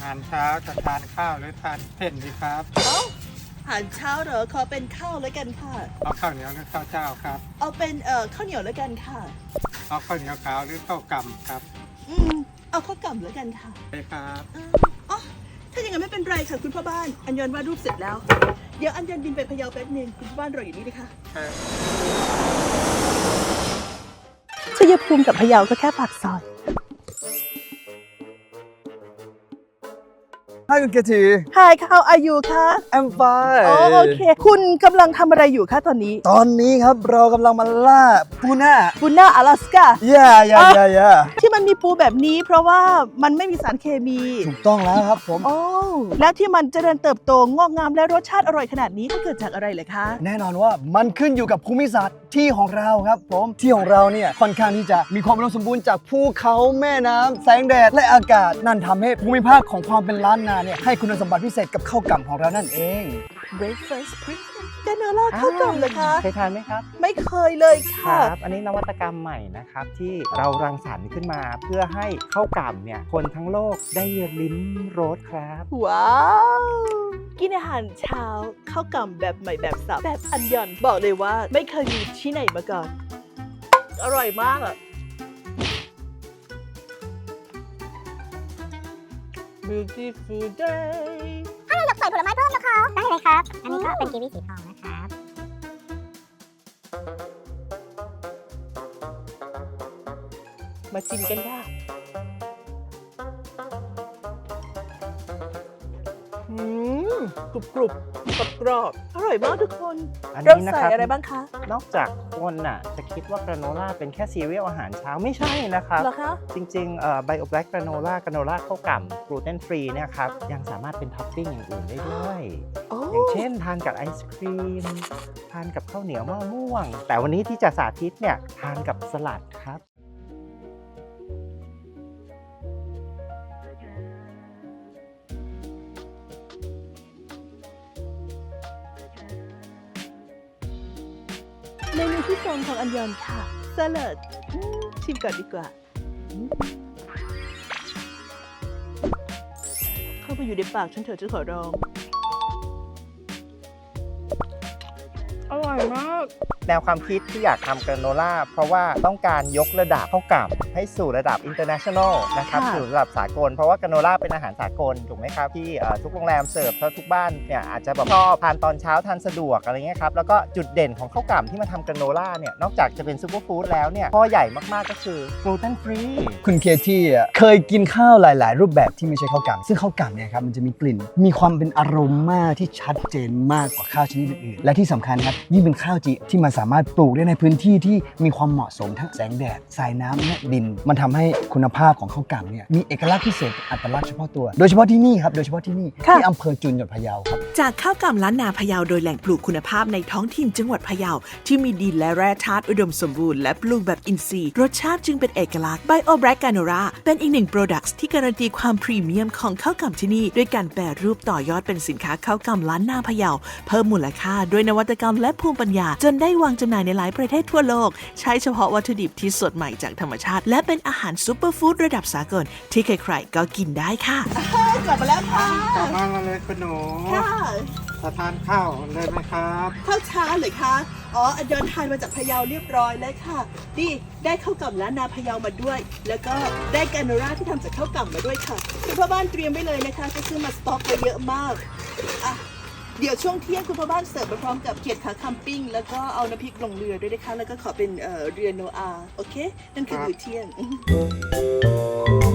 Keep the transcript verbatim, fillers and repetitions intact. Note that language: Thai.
ารเช้าจะทานข้าวหรือทานเส้นดีครับเอ้าอาหารเช้าเหรอขอเป็นข้าวแล้วกันค่ะเอาข้าวเหนียวหรือข้าวเจ้าครับเอาเป็นเอ่อข้าวเหนียวแล้วกันค่ะเอาข้าวเหนียวขาวหรือข้าวกำครับอืมเอาข้าวกล่ำแล้วกันค่ะไปครับเอ่ออ๋อถ้าอย่างนั้นไม่เป็นไรค่ะคุณพ่อบ้าน อัญญนวาดรูปเสร็จแล้ว เดี๋ยวอัญญนบินไปพะเยาแป๊บนึงคุณพ่อบ้านรออยู่นี่นะคะครับชัยภูมิกับพะเยาก็แค่ปากซอย Hi คุณเกที Hi how are you คะ I'm fine อ๋อโอเค คุณกำลังทำอะไรอยู่คะตอนนี้ตอนนี้ครับเรากำลังมาล่าปูน่าปูน่า阿拉斯กา yeah yeah yeah yeah ที่มันมีปูแบบนี้เพราะว่ามันไม่มีสารเคมีถูกต้องแล้วครับผมโอ้แล้วที่มันเจริญเติบโตงอกงามและรสชาติอร่อยขนาดนี้ก็เกิดจากอะไรเลยคะแน่นอนว่ามันขึ้นอยู่กับภูมิศาสตร์ที่ของเราครับผมที่ของเราเนี่ยค่อนข้างที่จะมีความอุดมสมบูรณ์จากภูเขาแม่น้ำแสงแดดและอากาศนั่นทำให้ภูมิภาคของความเป็นล้านนาเนี่ยให้คุณสมบัติพิเศษกับข้าวกล่ำของเรานั่นเอง breakfast premium แกเนอร่าข้าวกล่ำเลยคะเคยทานไหมครับไม่เคยเลยคค่ะรับ อันนี้นวัตกรรมใหม่นะครับที่เรารังสรรค์ขึ้นมาเพื่อให้ข้าวกล่ำเนี่ยคนทั้งโลกได้ลิ้มรสครับว้าว กินอาหารเช้าข้าวกล่ำแบบใหม่แบบสับแบบอันยอนบอกเลยว่าไม่เคยมีที่ไหนมาก่อน อร่อยมากอ่ะ beautiful day ถ้าเราอยากใส่ผลไม้เพิ่มนะคะ ได้เลยครับ อันนี้ก็เป็นกีวีสีทองนะครับมาชิมกันค่ะอืมกรุบกรุบกรอบกรอบอร่อยมากทุกคนอันเรานี้นะใส่ครับอะไรบ้างคะนอกจากคนน่ะจะคิดว่ากราโนล่าเป็นแค่ซีเรียลอาหารเช้าไม่ใช่นะครับเหรอคะจริงๆเอ่อไบโอแบล็กกราโนล่ากราโนล่าข้าวกล่ำกลูเตนฟรีเนี่ยครับยังสามารถเป็นท็อปปิ้งอย่างอื่นได้ด้วยโอ้อย่างเช่นทานกับไอศครีม ทานกับข้าวเหนียวมะม่วง แต่วันนี้ที่จะสาธิตเนี่ยทานกับสลัดครับเมนูที่สองของอันยอนค่ะสลัดอืมชิมก่อนดีกว่าอืมเข้าไปอยู่ในปากฉันเถอะฉันขอร้อง อร่อยมากแนวความคิดที่อยากทำกราโนล่าเพราะว่าต้องการยกระดับข้าวกล่ำให้สู่ระดับ international นะครับค่ะสู่ระดับสากล เพราะว่ากราโนล่าเป็นอาหารสากลถูกไหมครับที่เอ่อทุกโรงแรมเสิร์ฟถ้าทุกบ้านเนี่ยอาจจะแบบชอบทานตอนเช้าทานสะดวกอะไรเงี้ยครับแล้วก็จุดเด่นของข้าวกล่ำที่มาทำกราโนล่าเนี่ยนอกจากจะเป็นซูเปอร์ฟู้ดแล้วเนี่ยข้อใหญ่มากๆก็คือกลูเตนฟรีคุณเคที่อ่ะเคยกินข้าวหลาย ๆ รูปแบบที่ไม่ใช่ข้าวกล่ำซึ่งข้าวกล่ำเนี่ยครับมันจะมีกลิ่น มีความเป็นอารมากที่ชัดเจนมากกว่าข้าวชนิดอื่นๆและที่สำคัญครับยิ่งเป็นข้าวจีที่มันสามารถปลูกได้ในพื้นที่ที่มีความเหมาะสมทั้งแสงแดดสายน้ำและดิน มันทำให้คุณภาพของข้าวกล่ำเนี่ยมีเอกลักษณ์พิเศษอัตลักษณ์เฉพาะตัว โดยเฉพาะที่นี่ครับโดยเฉพาะที่นี่ค่ะที่อำเภอจุนจังหวัดพะเยาครับจากข้าวกล่ำล้านนาพะเยาโดยแหล่งปลูกคุณภาพในท้องถิ่นจังหวัดพะเยาที่มีดินและแร่ธาตุอุดมสมบูรณ์และปลูกแบบอินทรีย์รสชาติจึงเป็นเอกลักษณ์ Bio Black Granola เป็นอีกหนึ่งโปรดักต์ที่การันตีความพรีเมียมของข้าวกล่ำที่นี่ด้วยการแปรรูปต่อยอดเป็นสินค้าข้าวกล่ำล้านนาพะเยาเพิ่มมูลค่าด้วยนวัตกรรมและภูมิปัญญาจนได้วางจำหน่ายในหลายประเทศทั่วโลกใช้เฉพาะวัตถุดิบที่สดใหม่จากธรรมชาติและเป็นอาหารซูเปอร์ฟู้ดระดับสากลที่ใครๆก็กินได้ค่ะกลับมาแล้วค่ะกลับมาเลยคุณหนูค่ะจะทานข้าวเลยไหมครับข้าวเช้าเลยคะอ๋ออันยอนทานมาจากพะเยาเรียบร้อยแล้วค่ะนี่ได้ข้าวกล่ำล้านนาพะเยามาด้วย แล้วก็ได้แกรโนล่าที่ทำจากข้าวกล่ำมาด้วยค่ะคุณพ่อบ้านเตรียมไว้เลยนะคะจะซื้อมาสต็อกไว้เยอะมากอ่ะเดี๋ยวช่วงเที่ยงคุณพ่อบ้านเสิร์ฟมาพร้อมกับเขียดขาคัมปิ้งแล้วก็เอาน้ำพริกลงเรือด้วยนะคะแล้วก็ขอเป็นเอ่อเรือโนอาโอเคนั่นคือครับมื้อเที่ยง